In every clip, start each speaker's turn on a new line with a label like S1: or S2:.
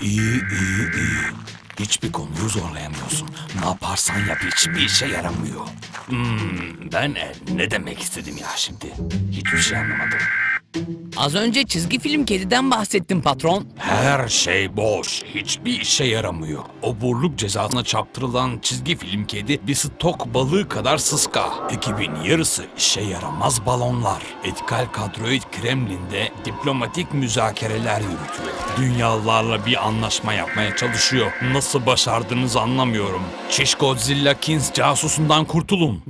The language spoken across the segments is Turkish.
S1: İyi. Hiçbir konuyu zorlayamıyorsun. Ne yaparsan yap hiçbir işe yaramıyor. Ben ne demek istedim ya şimdi? Hiçbir şey anlamadım.
S2: Az önce çizgi film kediden bahsettim patron.
S1: Her şey boş. Hiçbir işe yaramıyor. Oburluk cezasına çarptırılan çizgi film kedi bir stok balığı kadar sıska. Ekibin yarısı işe yaramaz balonlar. Etikal kadroid Kremlin'de diplomatik müzakereler yürütüyor. Dünyalılarla bir anlaşma yapmaya çalışıyor. Nasıl başardığınızı anlamıyorum. Çiş Godzilla Kings casusundan kurtulun.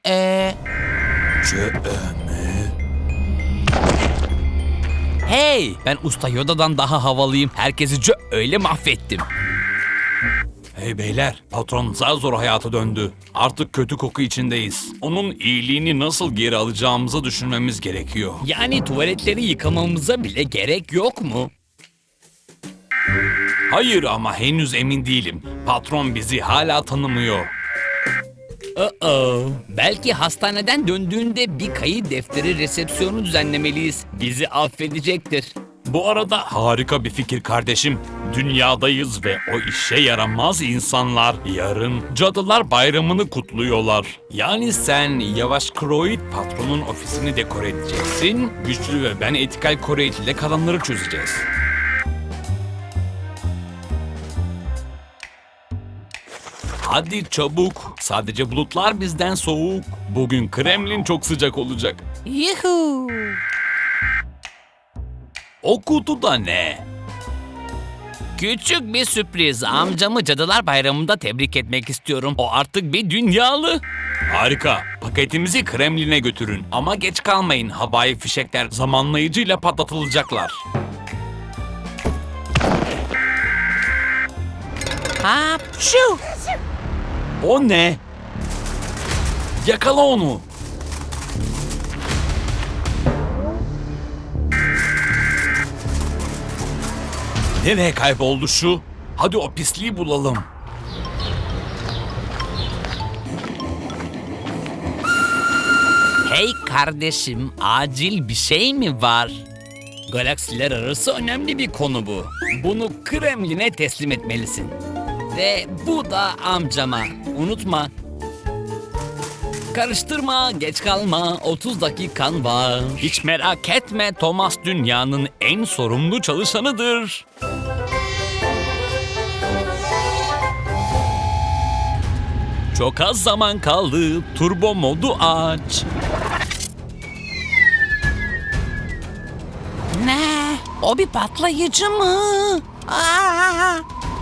S2: Hey, ben Usta Yoda'dan daha havalıyım. Herkesi öyle mahvettim.
S1: Hey beyler, patron zar zor hayata döndü. Artık kötü koku içindeyiz. Onun iyiliğini nasıl geri alacağımızı düşünmemiz gerekiyor.
S2: Yani tuvaletleri yıkamamıza bile gerek yok mu?
S1: Hayır ama henüz emin değilim. Patron bizi hala tanımıyor.
S2: Belki hastaneden döndüğünde bir kayıt defteri resepsiyonu düzenlemeliyiz. Bizi affedecektir.
S1: Bu arada harika bir fikir kardeşim. Dünyadayız ve o işe yaramaz insanlar yarın Cadılar Bayramı'nı kutluyorlar. Yani sen Yavaş Kroid patronun ofisini dekore edeceksin. Güçlü ve ben etikal Kroid ile kalanları çözeceğiz. Hadi çabuk. Sadece bulutlar bizden soğuk. Bugün Kremlin çok sıcak olacak.
S2: Yuhuu!
S1: O kutuda ne?
S2: Küçük bir sürpriz. Amcamı Cadılar Bayramı'nda tebrik etmek istiyorum. O artık bir dünyalı.
S1: Harika. Paketimizi Kremlin'e götürün. Ama geç kalmayın. Havai fişekler zamanlayıcıyla patlatılacaklar.
S2: Hapşu!
S1: O ne? Yakala onu. Nereye kayboldu şu? Hadi o pisliği bulalım.
S2: Hey kardeşim, acil bir şey mi var? Galaksiler arası önemli bir konu bu. Bunu Kremlin'e teslim etmelisin. Ve bu da amcama. Unutma. Karıştırma, geç kalma. 30 dakikan var.
S1: Hiç merak etme, Thomas dünyanın en sorumlu çalışanıdır. Çok az zaman kaldı. Turbo modu aç.
S2: Ne? O bir patlayıcı mı? Aa!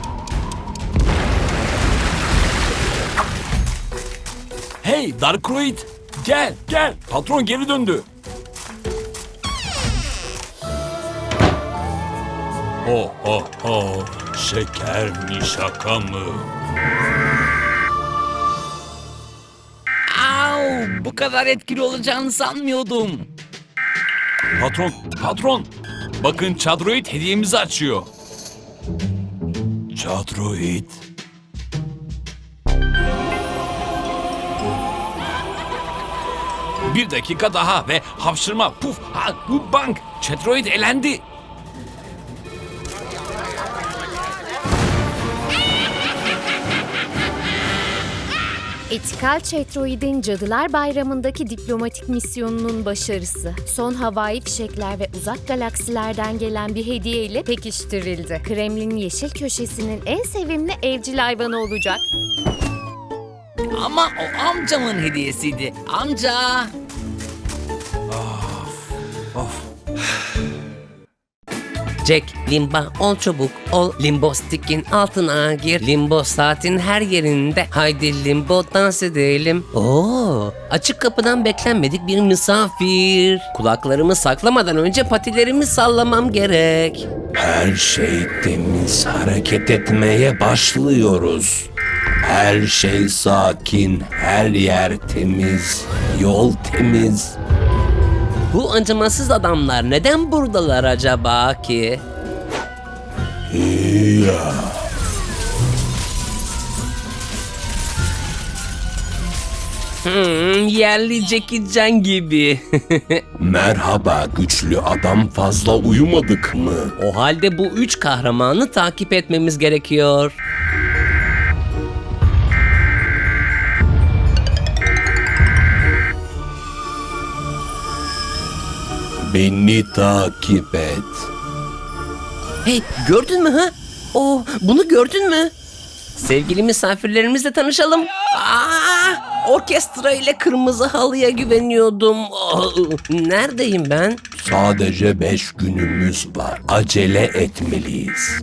S1: Hey Darkroid, gel. Patron geri döndü. Şeker mi şaka mı?
S2: Au! Bu kadar etkili olacağını sanmıyordum.
S1: Patron. Bakın Çadroid hediyemizi açıyor. Çadroid. Bir dakika daha ve hapşırma, puf, bu bank. Çadroid elendi.
S3: Etikal Çetroid'in Cadılar Bayramı'ndaki diplomatik misyonunun başarısı, son havai fişekler ve uzak galaksilerden gelen bir hediye ile pekiştirildi. Kremlin yeşil köşesinin en sevimli evcil hayvanı olacak.
S2: Ama o amcamın hediyesiydi. Amca!
S4: Jack, limba, ol çabuk, ol limbo stick'in altına gir. Limbo saatin her yerinde. Haydi limbo dans edelim. Oo, açık kapıdan beklenmedik bir misafir. Kulaklarımı saklamadan önce patilerimi sallamam gerek.
S5: Her şey temiz, hareket etmeye başlıyoruz. Her şey sakin, her yer temiz, yol temiz.
S4: Bu acımasız adamlar neden buradalar acaba ki? Yerli Jackie Chan gibi.
S5: Merhaba güçlü adam, fazla uyumadık mı?
S4: O halde bu 3 kahramanı takip etmemiz gerekiyor.
S5: Beni takip et.
S4: Hey, gördün mü ha? Bunu gördün mü? Sevgili misafirlerimizle tanışalım. Orkestra ile kırmızı halıya güveniyordum. Neredeyim ben?
S5: Sadece 5 günümüz var. Acele etmeliyiz.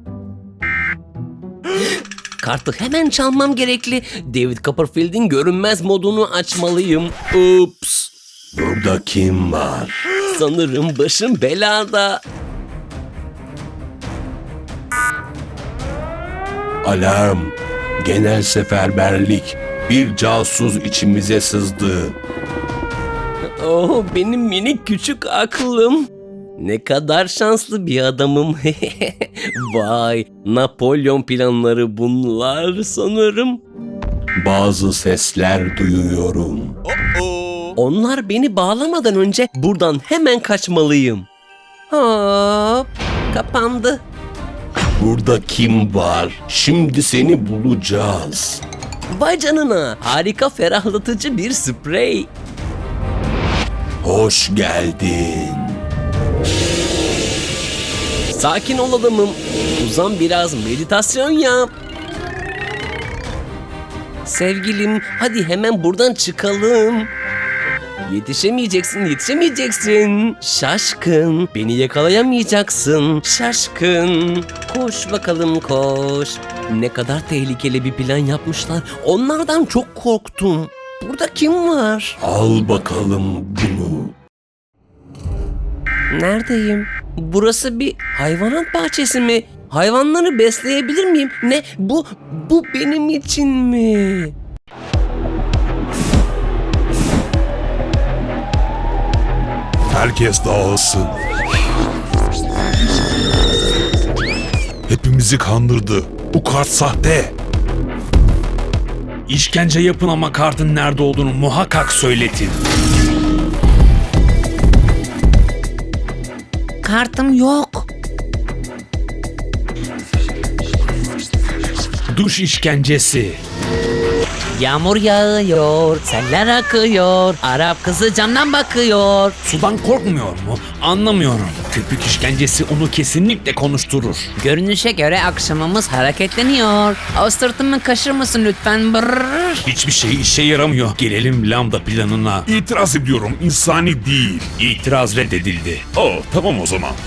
S4: Kartı hemen çalmam gerekli. David Copperfield'in görünmez modunu açmalıyım. Ups.
S5: Burada kim var?
S4: Sanırım başım belada.
S5: Alarm. Genel seferberlik. Bir casus içimize sızdı.
S4: Benim minik küçük aklım. Ne kadar şanslı bir adamım. Vay, Napolyon planları bunlar sanırım.
S5: Bazı sesler duyuyorum.
S4: Onlar beni bağlamadan önce buradan hemen kaçmalıyım. Hop, kapandı.
S5: Burada kim var? Şimdi seni bulacağız.
S4: Vay canına, harika ferahlatıcı bir sprey.
S5: Hoş geldin.
S4: Sakin ol adamım. Uzan biraz, meditasyon yap. Sevgilim, hadi hemen buradan çıkalım. Yetişemeyeceksin. Şaşkın, beni yakalayamayacaksın. Şaşkın. Koş bakalım koş. Ne kadar tehlikeli bir plan yapmışlar. Onlardan çok korktum. Burada kim var?
S5: Al bakalım bunu.
S4: Neredeyim? Burası bir hayvanat bahçesi mi? Hayvanları besleyebilir miyim? Ne? Bu benim için mi?
S6: Herkes dağılsın. Hepimizi kandırdı. Bu kart sahte.
S1: İşkence yapın ama kartın nerede olduğunu muhakkak söyletin.
S4: Kartım yok.
S1: Duş işkencesi.
S4: Yağmur yağıyor, seller akıyor, Arap kızı camdan bakıyor.
S1: Sudan korkmuyor mu? Anlamıyorum. Köpük işkencesi onu kesinlikle konuşturur.
S2: Görünüşe göre akşamımız hareketleniyor. O sırtımı kaşır mısın lütfen? Brrr.
S1: Hiçbir şey işe yaramıyor. Gelelim lambda planına.
S6: İtiraz ediyorum, insani değil.
S1: İtiraz reddedildi.
S6: Tamam o zaman.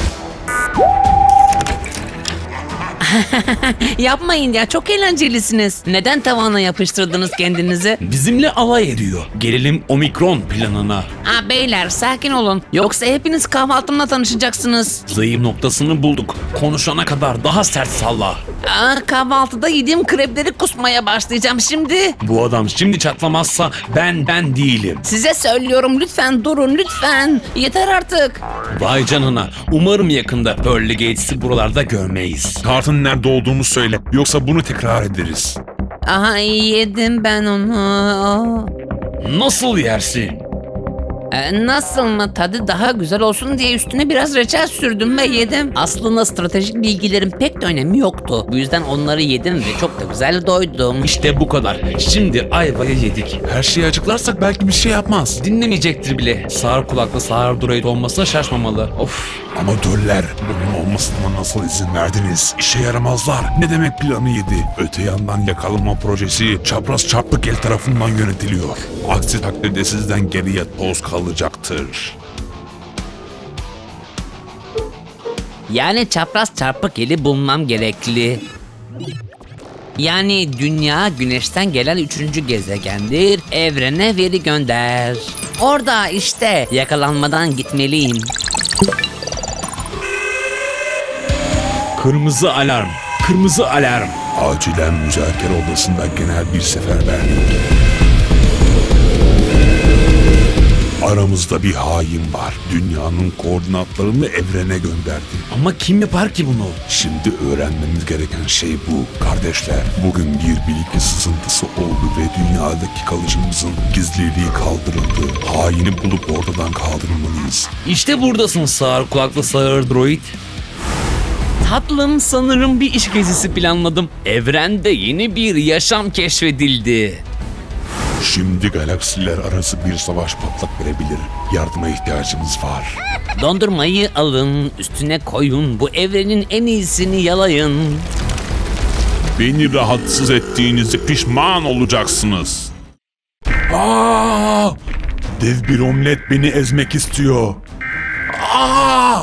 S2: Yapmayın ya, çok eğlencelisiniz. Neden tavana yapıştırdınız kendinizi?
S1: Bizimle alay ediyor. Gelelim omikron planına.
S2: Beyler sakin olun. Yoksa hepiniz kahvaltımla tanışacaksınız.
S1: Zayıf noktasını bulduk. Konuşana kadar daha sert salla.
S2: Kahvaltıda yediğim krepleri kusmaya başlayacağım şimdi.
S1: Bu adam şimdi çatlamazsa ben değilim.
S2: Size söylüyorum, lütfen durun lütfen. Yeter artık.
S1: Vay canına. Umarım yakında Pearl Gates'i buralarda görmeyiz.
S6: Kartın nerede olduğunu söyle, yoksa bunu tekrar ederiz.
S2: Yedim ben onu.
S1: Nasıl yersin?
S2: Nasıl mı? Tadı daha güzel olsun diye üstüne biraz reçel sürdüm ve yedim. Aslında stratejik bilgilerin pek de önemi yoktu. Bu yüzden onları yedim ve çok da güzel doydum.
S1: İşte bu kadar. Şimdi ayvayı yedik.
S6: Her şeyi açıklarsak belki bir şey yapmaz.
S1: Dinlemeyecektir bile. Sağır kulaklı sağır droid olmasına şaşmamalı. Of.
S6: Amatörler, bunun olmasına nasıl izin verdiniz? İşe yaramazlar. Ne demek planı yedi? Öte yandan yakalama projesi çapraz çarpık el tarafından yönetiliyor. Aksi takdirde sizden geriye toz kalacaktır.
S2: Yani çapraz çarpık eli bulmam gerekli. Yani dünya güneşten gelen 3. gezegendir. Evrene veri gönder. Orada işte, yakalanmadan gitmeliyim.
S1: Kırmızı alarm. Kırmızı alarm.
S6: Acilen müzakere odasında genel bir seferberlik. Aramızda bir hain var. Dünyanın koordinatlarını evrene gönderdi.
S1: Ama kim yapar ki bunu?
S6: Şimdi öğrenmemiz gereken şey bu. Kardeşler, bugün bir bilgi sızıntısı oldu ve dünyadaki kalıcımızın gizliliği kaldırıldı. Haini bulup ortadan kaldırmalıyız.
S1: İşte buradasın sağır kulaklı sağır droid.
S2: Tatlım, sanırım bir iş gezisi planladım. Evrende yeni bir yaşam keşfedildi.
S6: Şimdi galaksiler arası bir savaş patlak verebilir. Yardıma ihtiyacımız var.
S2: Dondurmayı alın, üstüne koyun, bu evrenin en iyisini yalayın.
S6: Beni rahatsız ettiğinizi pişman olacaksınız. Aa! Dev bir omlet beni ezmek istiyor. Aa!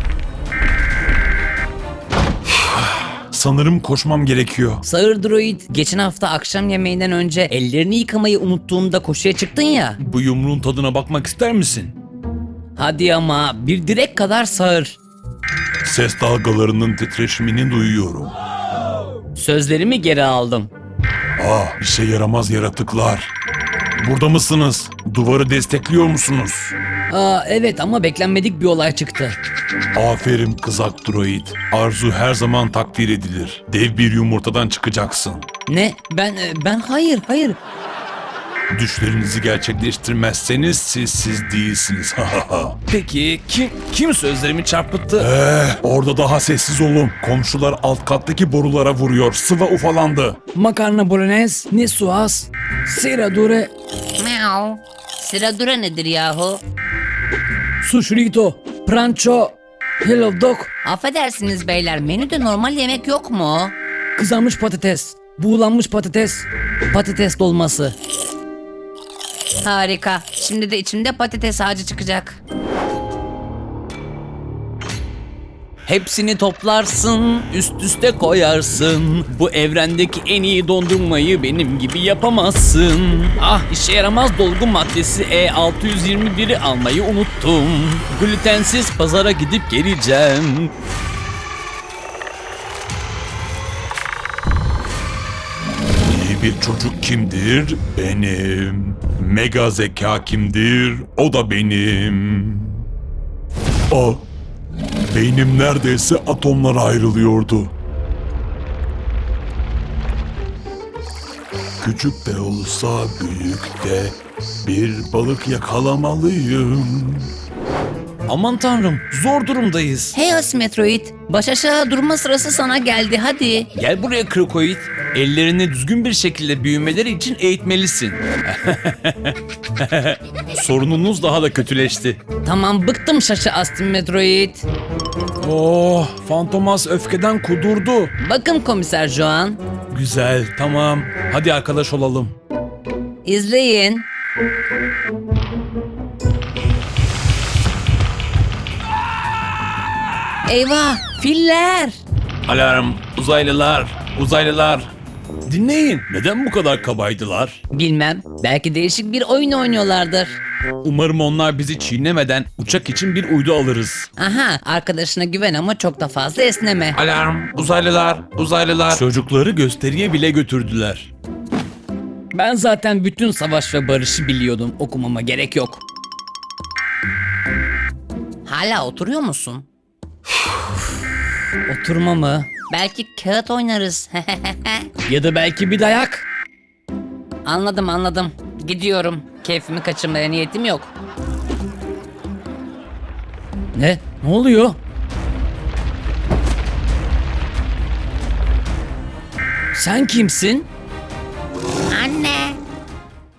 S6: Sanırım koşmam gerekiyor.
S2: Sağır droid, geçen hafta akşam yemeğinden önce ellerini yıkamayı unuttuğunda koşuya çıktın ya.
S1: Bu yumruğun tadına bakmak ister misin?
S2: Hadi ama, bir direk kadar sağır.
S6: Ses dalgalarının titreşimini duyuyorum.
S2: Sözlerimi geri aldım.
S6: Ah, işe yaramaz yaratıklar. Burada mısınız? Duvarı destekliyor musunuz?
S2: Aa, evet ama beklenmedik bir olay çıktı.
S6: Aferin kızak droid. Arzu her zaman takdir edilir. Dev bir yumurtadan çıkacaksın.
S2: Ne? Ben hayır.
S6: Düşlerinizi gerçekleştirmezseniz siz değilsiniz.
S1: Peki kim sözlerimi çarpıttı?
S6: Orada daha sessiz olun. Komşular alt kattaki borulara vuruyor. Sıva ufalandı.
S2: Makarna bolognese, ne suas, sera dure,
S7: Meow. Sıradura nedir yahu?
S2: sushrito, prancho, hello dog,
S7: Affedersiniz beyler, menüde normal yemek yok mu?
S2: kızarmış patates, buğulanmış patates, patates dolması.
S7: Harika. Şimdi de içimde patates ağacı çıkacak.
S2: Hepsini toplarsın, üst üste koyarsın. Bu evrendeki en iyi dondurmayı benim gibi yapamazsın. Ah, işe yaramaz dolgu maddesi E621'i almayı unuttum. Glutensiz pazara gidip geleceğim.
S6: İyi bir çocuk kimdir? Benim. Mega zeka kimdir? O da benim. O. Beynim neredeyse atomlara ayrılıyordu. Küçük de olsa büyük de bir balık yakalamalıyım.
S1: Aman tanrım, zor durumdayız.
S7: Hey Asimetroid, baş aşağı durma sırası sana geldi, hadi.
S1: Gel buraya Krokoid. Ellerini düzgün bir şekilde büyümeleri için eğitmelisin. Sorununuz daha da kötüleşti.
S2: Tamam, bıktım şaşı Asimetroid.
S1: Oh, Fantomas öfkeden kudurdu.
S2: Bakın Komiser Joan,
S1: Güzel, tamam. Hadi arkadaş olalım.
S7: İzleyin. Eyvah, filler.
S1: Alarm, uzaylılar. Dinleyin, neden bu kadar kabaydılar?
S2: bilmem, belki değişik bir oyun oynuyorlardır.
S1: Umarım onlar bizi çiğnemeden uçak için bir uydu alırız.
S7: Aha, arkadaşına güven ama çok da fazla esneme.
S1: Alarm, uzaylılar. Çocukları gösteriye bile götürdüler.
S2: Ben zaten bütün savaş ve barışı biliyordum, okumama gerek yok.
S7: Hala oturuyor musun?
S2: Oturma mı?
S7: Belki kağıt oynarız.
S2: Ya da belki bir dayak.
S7: Anladım. Gidiyorum. Keyfimi kaçırmaya niyetim yok.
S2: Ne? Ne oluyor? Sen kimsin?